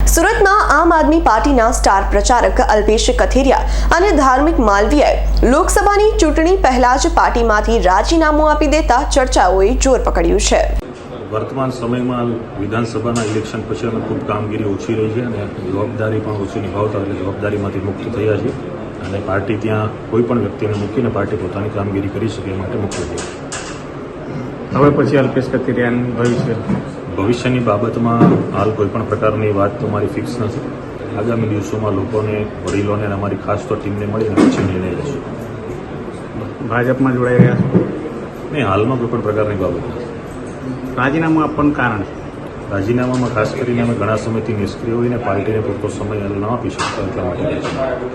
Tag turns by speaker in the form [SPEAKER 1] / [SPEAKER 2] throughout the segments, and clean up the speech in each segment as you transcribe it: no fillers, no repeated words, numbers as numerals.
[SPEAKER 1] સુરતના આમ આદમી પાર્ટીના સ્ટાર પ્રચારક અલ્પેશ કથિરિયા અને ધાર્મિક માલવીયાએ લોકસભાની ચૂંટણી પહેલા જ પાર્ટીમાંથી રાજીનામું આપી દેતા ચર્ચાઓએ જોર પકડ્યું છે।
[SPEAKER 2] વર્તમાન સમયમાં વિધાનસભાના ઇલેક્શન પછી અમે ખૂબ કામગીરી ઓછી રહી છે અને જવાબદારી પણ ઓછી નિભાવતા એટલે જવાબદારીમાંથી મુક્ત થયા છે અને પાર્ટી ત્યાં કોઈ પણ વ્યક્તિને મૂકીને પાર્ટી પોતાની કામગીરી કરી શકે એ માટે મુક્ત થઈ છે।
[SPEAKER 3] હવે પછી અલ્પેશ કથિરિયાનું
[SPEAKER 2] ભવિષ્યની બાબતમાં હાલ કોઈ પણ પ્રકારની વાત તમારી ફિક્સ નથી। આગામી દિવસોમાં લોકોને, વડીલોને અને અમારી ખાસ તો ટીમને મળીને પછી નિર્ણય લેશું।
[SPEAKER 3] ભાજપમાં જોડાઈ રહ્યા છો?
[SPEAKER 2] નહીં, હાલમાં કોઈ પણ પ્રકારની બાબત નથી।
[SPEAKER 3] રાજીનામું આપવાનું કારણ?
[SPEAKER 2] રાજીનામામાં ખાસ કરીને અમે ઘણા સમયથી નિષ્ક્રિય હોઈને પાર્ટીને પૂરતો સમય ન આપી શકતા એટલા માટે।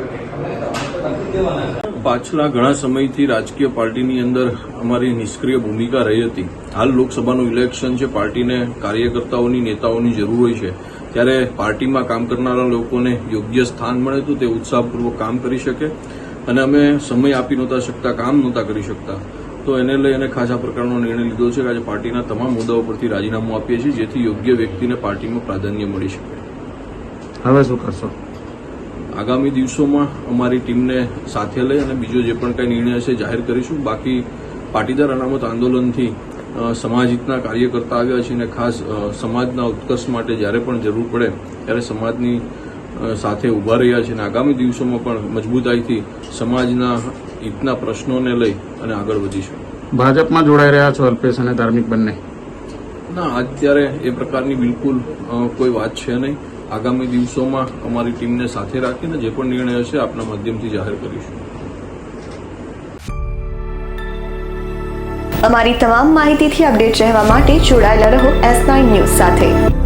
[SPEAKER 4] પાછલા ઘણા સમયથી રાજકીય પાર્ટીની અંદર અમારી નિષ્ક્રિય ભૂમિકા રહી હતી। હાલ લોકસભાનું ઇલેક્શન છે, પાર્ટીને કાર્યકર્તાઓની, નેતાઓની જરૂર હોય છે, ત્યારે પાર્ટીમાં કામ કરનારા લોકોને યોગ્ય સ્થાન મળે તો તે ઉત્સાહપૂર્વક કામ કરી શકે અને અમે સમય આપી નહોતા શકતા, કામ નહોતા કરી શકતા, તો એને લઈ અને ખાસ આ પ્રકારનો નિર્ણય લીધો છે કે આજે પાર્ટીના તમામ મુદ્દાઓ પરથી રાજીનામું આપીએ છીએ જેથી યોગ્ય વ્યક્તિને પાર્ટીમાં પ્રાધાન્ય મળી શકે।
[SPEAKER 3] હવે શું કરશો?
[SPEAKER 4] આગામી દિવસોમાં અમારી ટીમને સાથે લઈ અને બીજો જે પણ કંઈ નિર્ણય હશે જાહેર કરીશું। બાકી પાટીદાર અનામત આંદોલનથી સમાજહિતના કાર્યકર્તા આવ્યા છે અને ખાસ સમાજના ઉત્કર્ષ માટે જ્યારે પણ જરૂર પડે ત્યારે સમાજની સાથે ઊભા રહ્યા છે અને આગામી દિવસોમાં પણ મજબૂતાઈથી સમાજના હિતના પ્રશ્નોને લઈ અને આગળ વધીશું।
[SPEAKER 3] ભાજપમાં જોડાઈ રહ્યા છો અલ્પેશ અને ધાર્મિક બંને?
[SPEAKER 4] ના, અત્યારે એ પ્રકારની બિલકુલ કોઈ વાત છે નહીં। આગામી દિવસોમાં અમારી ટીમને સાથે રાખીને જે પણ નિર્ણય હશે આપના માધ્યમથી જાહેર કરીશું।
[SPEAKER 1] અમારી તમામ માહિતીથી અપડેટ રહેવા માટે જોડાયેલા રહો S9 ન્યૂઝ સાથે।